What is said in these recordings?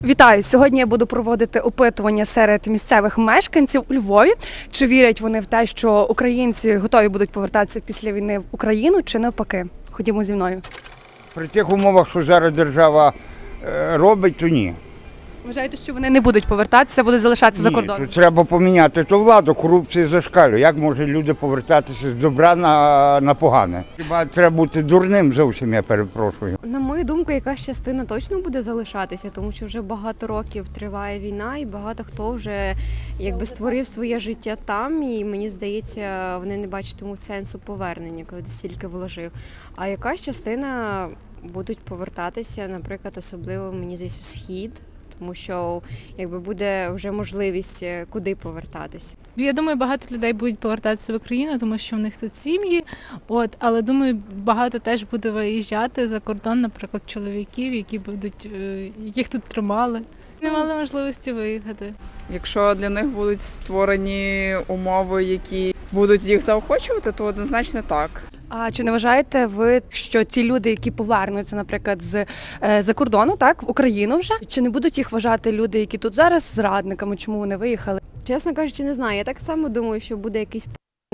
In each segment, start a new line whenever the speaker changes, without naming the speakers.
Вітаю! Сьогодні я буду проводити опитування серед місцевих мешканців у Львові. Чи вірять вони в те, що українці готові будуть повертатися після війни в Україну, чи навпаки? Ходімо зі мною.
При тих умовах, що зараз держава робить, то ні.
Вважаєте, що вони не будуть повертатися, будуть залишатися за кордоном?
То треба поміняти ту владу, корупція зашкалює. Як можуть люди повертатися з добра на погане? Хіба треба бути дурним зовсім, я перепрошую.
На мою думку, якась частина точно буде залишатися, тому що вже багато років триває війна, і багато хто вже створив своє життя там. І мені здається, вони не бачатимуть сенсу повернення, коли стільки вложив. А якась частина будуть повертатися, наприклад, особливо мені здається, схід. Тому що буде вже можливість куди повертатися.
Я думаю, багато людей будуть повертатися в Україну, тому що в них тут сім'ї. Але думаю, багато теж буде виїжджати за кордон, наприклад, чоловіків, яких тут тримали. Не мали можливості виїхати.
Якщо для них будуть створені умови, які будуть їх заохочувати, то однозначно так.
А чи не вважаєте ви, що ті люди, які повернуться, наприклад, з-за кордону, так, в Україну вже, чи не будуть їх вважати люди, які тут зараз зрадниками, чому вони виїхали?
Чесно кажучи, не знаю. Я так само думаю, що буде якийсь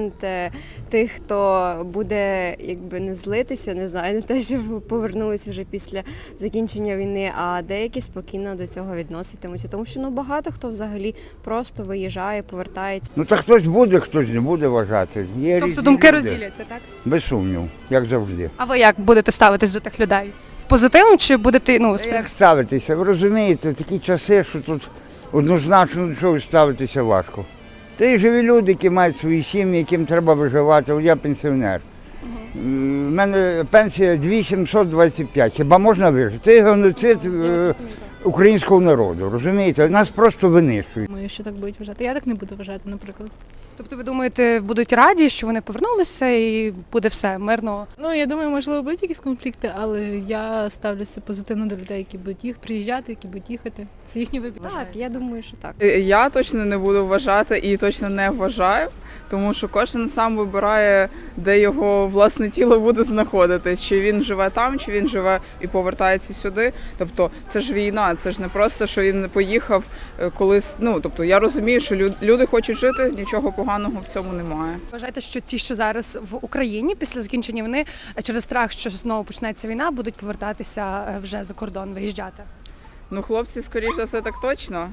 тих, хто буде не злитися, не знаю, не те, що повернулися вже після закінчення війни, а деякі спокійно до цього відноситимуться. Тому що багато хто взагалі просто виїжджає, повертається.
Так хтось буде, хтось не буде вважати. Є
Тобто
різні
думки
люди.
розділяться, так?
Без сумнів, як завжди.
А ви як будете ставитись до тих людей? З позитивом чи будете,
Як ставитися? Ви розумієте, такі часи, що тут однозначно до чогось ставитися важко. Та й живі люди, які мають свої сім'ї, яким треба виживати. От я пенсіонер. У мене пенсія 2725. Хіба можна вижити? Це геноцид українського народу, розумієте? Нас просто винищують.
Думаю, що так будуть вважати. Я так не буду вважати, наприклад.
Тобто ви думаєте, будуть раді, що вони повернулися і буде все мирно?
Я думаю, можливо, будуть якісь конфлікти, але я ставлюся позитивно до людей, які будуть приїжджати, які будуть їхати. Це їхній вибір.
Так, я думаю, що так.
Я точно не буду вважати і точно не вважаю, тому що кожен сам вибирає, де його власне тіло буде знаходитись. Чи він живе там, чи він живе і повертається сюди. Тобто це ж війна, це ж не просто, що він поїхав колись. Тобто я розумію, що люди хочуть жити, нічого поганого в цьому немає.
Вважаєте, що ті, що зараз в Україні після закінчення війни, через страх, що знову почнеться війна, будуть повертатися вже за кордон, виїжджати?
Хлопці, скоріш за все, так точно.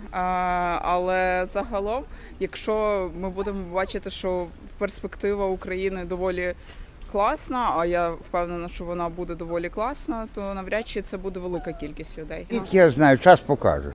Але загалом, якщо ми будемо бачити, що перспектива України доволі класна, а я впевнена, що вона буде доволі класна, то навряд чи це буде велика кількість людей.
Я знаю, час покаже.